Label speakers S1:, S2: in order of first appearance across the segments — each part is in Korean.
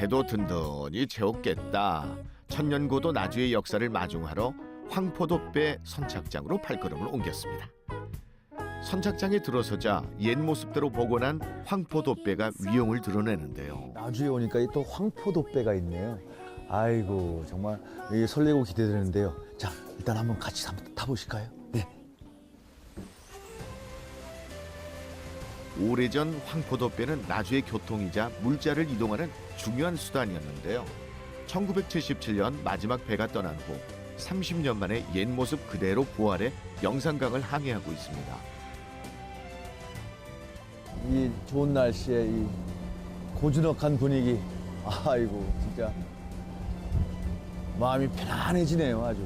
S1: 배도 든든히 채웠겠다. 천년고도 나주의 역사를 마중하러 황포도배 선착장으로 발걸음을 옮겼습니다. 선착장에 들어서자 옛 모습대로 복원한 황포도배가 위용을 드러내는데요.
S2: 나주에 오니까 또 황포도배가 있네요. 아이고 정말 이게 설레고 기대되는데요. 자 일단 한번 같이 한번 타보실까요? 네.
S1: 오래전 황포도배는 나주의 교통이자 물자를 이동하는 중요한 수단이었는데요. 1977년 마지막 배가 떠난 후 30년 만에 옛 모습 그대로 부활해 영산강을 항해하고 있습니다.
S2: 이 좋은 날씨에 이 고즈넉한 분위기, 아이고 진짜 마음이 편안해지네요 아주.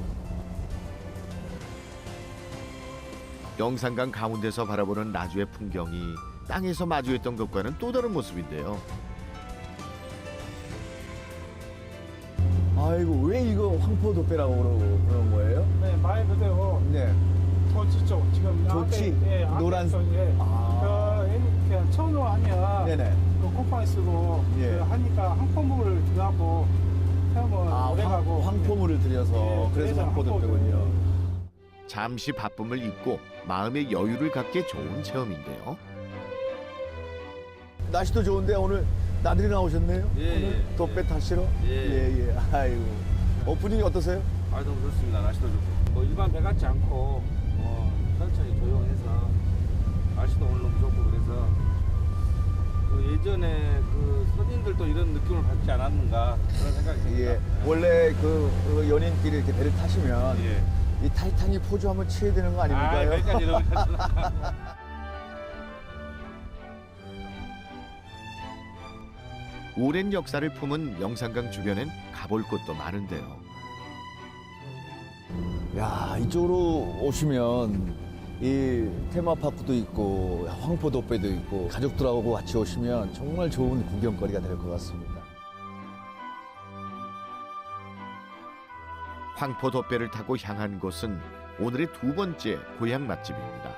S1: 영산강 가운데서 바라보는 나주의 풍경이 땅에서 마주했던 것과는 또 다른 모습인데요.
S2: 아이고 왜 이거 황포도배라고 그러는 거예요?
S3: 네, 말 그대로
S2: 네.
S3: 도치 쪽 지금
S2: 도치?
S3: 앞에, 예, 앞에
S2: 노란-
S3: 쪽, 예. 그냥 천으로 하면
S2: 네네.
S3: 그 콧방에 쓰고
S2: 예.
S3: 그 하니까 항포물을 들어가고 태우면 오래가고
S2: 황포물을 들여서
S3: 예,
S2: 그래서
S3: 그래서
S2: 황포도배군요.
S1: 잠시 바쁨을 잊고 마음의 여유를 갖기에 좋은 체험인데요.
S2: 날씨도 좋은데 오늘 나들이 나오셨네요?
S4: 예,
S2: 오늘
S4: 예,
S2: 도배
S4: 예.
S2: 타시러?
S4: 예.
S2: 예. 아이고. 분위기 어떠세요?
S4: 아 너무 좋습니다. 날씨도 좋고 뭐 일반 배 같지 않고 천천히 조용해서 날씨도 오늘 너무 좋고 그래서 그 예전에 그 선인들도 이런 느낌을 받지 않았는가 그런 생각이 듭니다.
S2: 예. 원래 그 연인끼리 이렇게 배를 타시면
S4: 예.
S2: 이 타이타닉 포즈 한번 취해야 되는 거 아닙니까요?
S4: 그러니까 이런
S1: 오랜 역사를 품은 영산강 주변엔 가볼 곳도 많은데요.
S2: 야, 이쪽으로 오시면 이 테마파크도 있고 황포도배도 있고 가족들하고 같이 오시면 정말 좋은 구경거리가 될 것 같습니다.
S1: 황포도배를 타고 향한 곳은 오늘의 두 번째 고향 맛집입니다.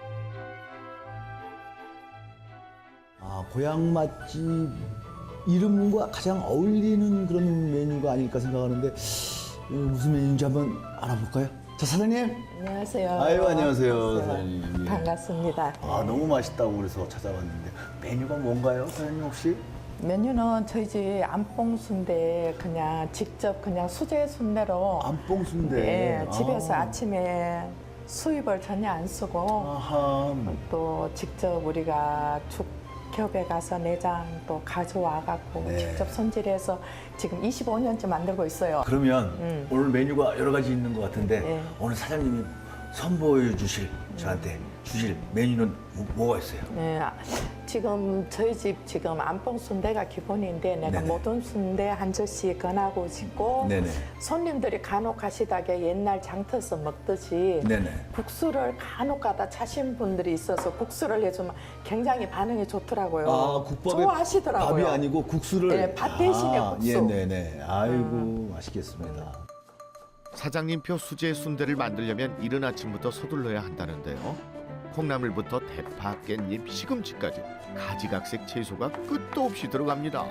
S2: 아, 고향 맛집 이름과 가장 어울리는 그런 메뉴가 아닐까 생각하는데 무슨 메뉴인지 한번 알아볼까요? 자, 사장님.
S5: 안녕하세요.
S2: 아유, 안녕하세요, 사장님. 예.
S5: 반갑습니다.
S2: 아, 너무 맛있다고 그래서 찾아왔는데 메뉴가 뭔가요, 사장님 혹시?
S5: 메뉴는 저희 집 안뽕순대 그냥 직접 그냥 수제 순대로
S2: 안뽕순대.
S5: 예, 집에서
S2: 아.
S5: 아침에 수입을 전혀 안 쓰고
S2: 아하.
S5: 또 직접 우리가 죽겹에 가서 내장 또 가져와 갖고
S2: 네.
S5: 직접 손질해서 지금 25년째 만들고 있어요.
S2: 그러면 오늘 메뉴가 여러 가지 있는 것 같은데
S5: 네.
S2: 오늘 사장님이 선보여 주실 저한테 주실 메뉴는 뭐가 있어요?
S5: 네, 지금 저희 집 지금 안뽕 순대가 기본인데 내가
S2: 네네.
S5: 모든 순대 한 젓씩 건하고 싶고
S2: 네네.
S5: 손님들이 간혹 가시다게 옛날 장터에서 먹듯이
S2: 네네.
S5: 국수를 간혹 가다 차신 분들이 있어서 국수를 해주면 굉장히 반응이 좋더라고요.
S2: 아, 국밥에
S5: 좋아하시더라고요.
S2: 밥이 아니고 국수를.
S5: 네, 밥 대신에 국수.
S2: 예, 네네. 아이고 맛있겠습니다.
S1: 사장님표 수제 순대를 만들려면 이른 아침부터 서둘러야 한다는데요. 콩나물부터 대파, 깻잎, 시금치까지 가지각색 채소가 끝도 없이 들어갑니다.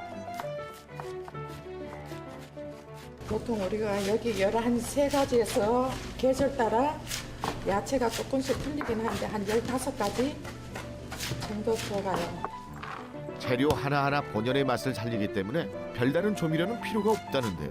S5: 보통 우리가 여기 13가지에서 계절 따라 야채가 조금씩 틀리긴 한데 한 15가지 정도 들어가요.
S1: 재료 하나하나 본연의 맛을 살리기 때문에 별다른 조미료는 필요가 없다는데요.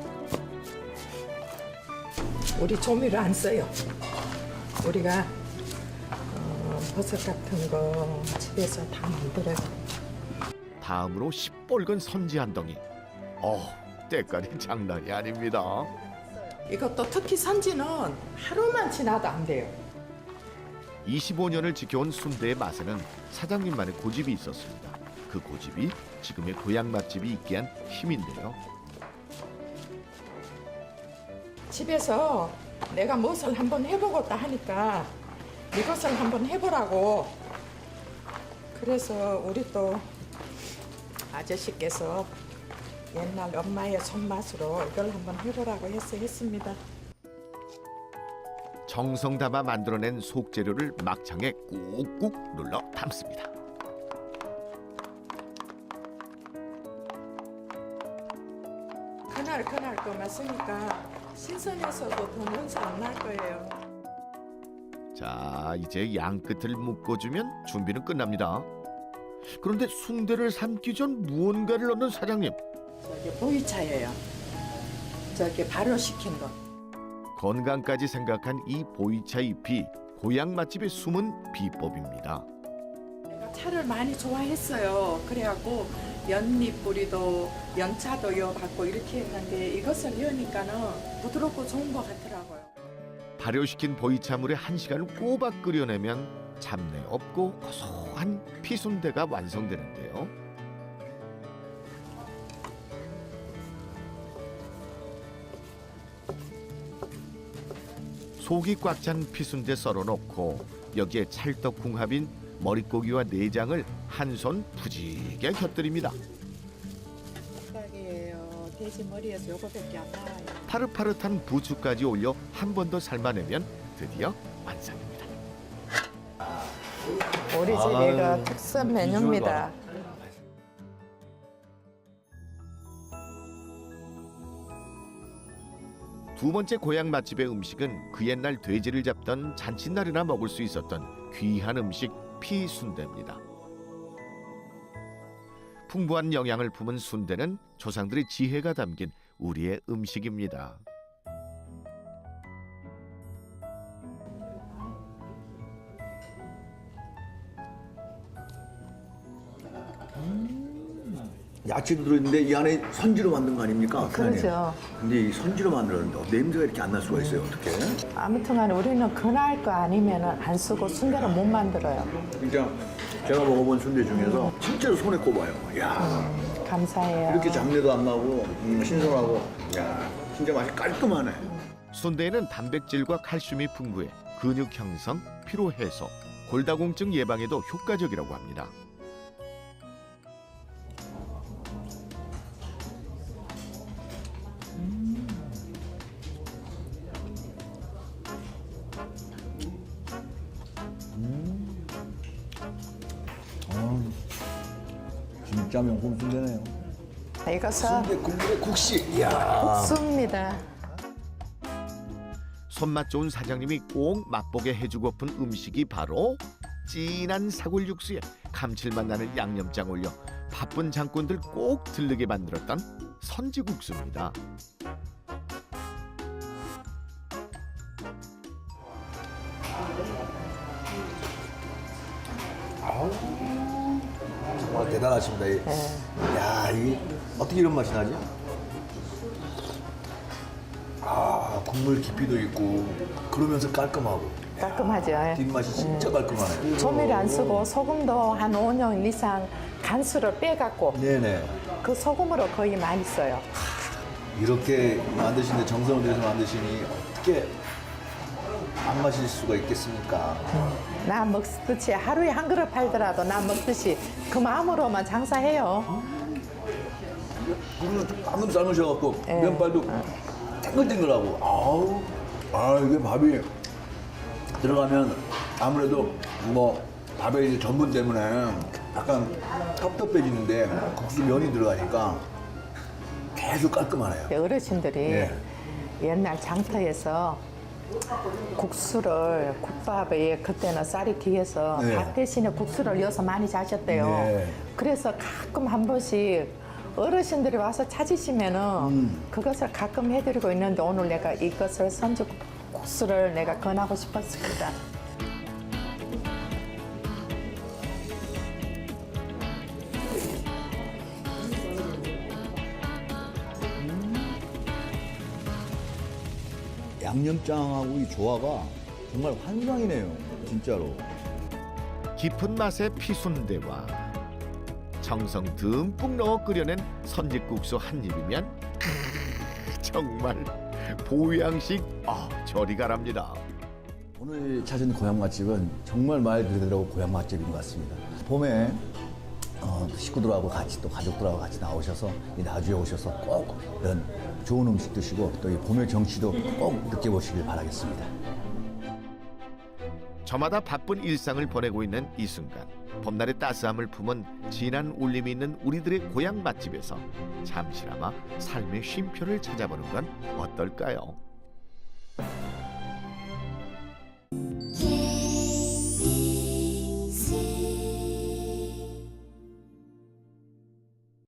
S5: 우리 조미료 안 써요. 우리가 버섯 같은 거 집에서 다 만들어요.
S1: 다음으로 시뻘건 선지 한 덩이. 때깔이 장난이 아닙니다.
S5: 이것도 특히 선지는 하루만 지나도 안 돼요.
S1: 25년을 지켜온 순대의 맛에는 사장님만의 고집이 있었습니다. 그 고집이 지금의 고향 맛집이 있게 한 힘인데요.
S5: 집에서 내가 무엇을 한번 해보겠다 하니까 이것을 한번 해보라고. 그래서 우리 또 아저씨께서 옛날 엄마의 손맛으로 이걸 한번 해보라고 해서 했습니다.
S1: 정성 담아 만들어낸 속재료를 막창에 꾹꾹 눌러 담습니다.
S5: 그날 것만 쓰니까 신선해서도 더 먼지 안 날 거예요.
S1: 자, 이제 양 끝을 묶어주면 준비는 끝납니다. 그런데 순대를 삶기 전 무언가를 넣는 사장님.
S5: 저게 보이차예요. 저게 발효시킨 거.
S1: 건강까지 생각한 이 보이차 잎이 고향 맛집의 숨은 비법입니다.
S5: 내가 차를 많이 좋아했어요. 그래갖고 연잎 뿌리도 연차도 이어받고 이렇게 했는데 이것을 이으니까는 부드럽고 좋은 것 같더라고요.
S1: 발효시킨 보이차물에 1시간을 꼬박 끓여내면 잡내 없고 고소한 피순대가 완성되는데요. 속이 꽉 찬 피순대 썰어놓고 여기에 찰떡궁합인 머릿고기와 내장을 한 손 푸지게 곁들입니다.
S5: 생각이에요. 돼지 머리에서 요거밖에 안 나와요.
S1: 파릇파릇한 부추까지 올려 한 번 더 삶아내면 드디어 완성입니다.
S5: 우리 집 이거 특선 메뉴입니다.
S1: 두 번째 고향 맛집의 음식은 그 옛날 돼지를 잡던 잔칫날이나 먹을 수 있었던 귀한 음식 피순대입니다. 풍부한 영양을 품은 순대는 조상들의 지혜가 담긴 우리의 음식입니다.
S2: 야채도 들어있는데 이 안에 선지로 만든 거 아닙니까?
S5: 그렇죠.
S2: 근데 이 선지로 만들었는데 냄새가 이렇게 안 날 수가 있어요. 어떻게?
S5: 아무튼간에 우리는 그날 거 아니면 안 쓰고 순대를 못 만들어요.
S2: 진짜 제가 먹어본 순대 중에서 진짜로 손에 꼽아요. 야
S5: 감사해요.
S2: 이렇게 잡내도 안 나고 신선하고 야 진짜 맛이 깔끔하네.
S1: 순대에는 단백질과 칼슘이 풍부해 근육 형성, 피로 해소, 골다공증 예방에도 효과적이라고 합니다.
S2: 진짜 명품 순대네요.
S5: 이것은
S2: 순대 국물에 국시. 이야.
S5: 국수입니다.
S1: 손맛 좋은 사장님이 꼭 맛보게 해주고픈 음식이 바로 진한 사골 육수에 감칠맛 나는 양념장 올려 바쁜 장꾼들 꼭 들르게 만들었던 선지국수입니다.
S2: 정말 대단하십니다. 야, 이게 어떻게 이런 맛이 나지? 아, 국물 깊이도 있고 그러면서 깔끔하고
S5: 깔끔하죠.
S2: 뒷맛이 진짜 깔끔하네.
S5: 조미료 안 쓰고 소금도 한 5년 이상 간수를 빼갖고
S2: 네네.
S5: 그 소금으로 거의 많이 써요.
S2: 이렇게 만드시는데 정성을 들여서 만드시니 어떻게 안 마실 수가 있겠습니까?
S5: 나 먹듯이 하루에 한 그릇 팔더라도 나 먹듯이 그 마음으로만 장사해요.
S2: 물을 방금 삶으셔갖고
S5: 예.
S2: 면발도 탱글탱글하고 아우 아 이게 밥이 들어가면 아무래도 뭐 밥에 이제 전분 때문에 약간 텁텁해지는데 국수 면이 들어가니까 계속 깔끔하네요.
S5: 어르신들이
S2: 예.
S5: 옛날 장터에서 국수를 국밥에 그때는 쌀이 귀해서
S2: 네.
S5: 밥 대신에 국수를 넣어서 많이 자셨대요.
S2: 네.
S5: 그래서 가끔 한 번씩 어르신들이 와서 찾으시면은 그것을 가끔 해드리고 있는데 오늘 내가 이것을 선지 국수를 내가 권하고 싶었습니다.
S2: 양념장하고 이 조화가 정말 환상이네요. 진짜로.
S1: 깊은 맛의 피순대와 정성 듬뿍 넣어 끓여낸 선지국수 한 입이면 정말 보양식 저리 가랍니다.
S2: 오늘 찾은 고향 맛집은 정말 말 그대로 고향 맛집인 것 같습니다. 봄에 식구들하고 같이 또 가족들하고 같이 나오셔서 이 나주에 오셔서 꼭 이런 좋은 음식 드시고 또 이 봄의 정취도 꼭 느껴보시길 바라겠습니다.
S1: 저마다 바쁜 일상을 보내고 있는 이 순간 봄날의 따스함을 품은 진한 울림이 있는 우리들의 고향 맛집에서 잠시나마 삶의 쉼표를 찾아보는 건 어떨까요?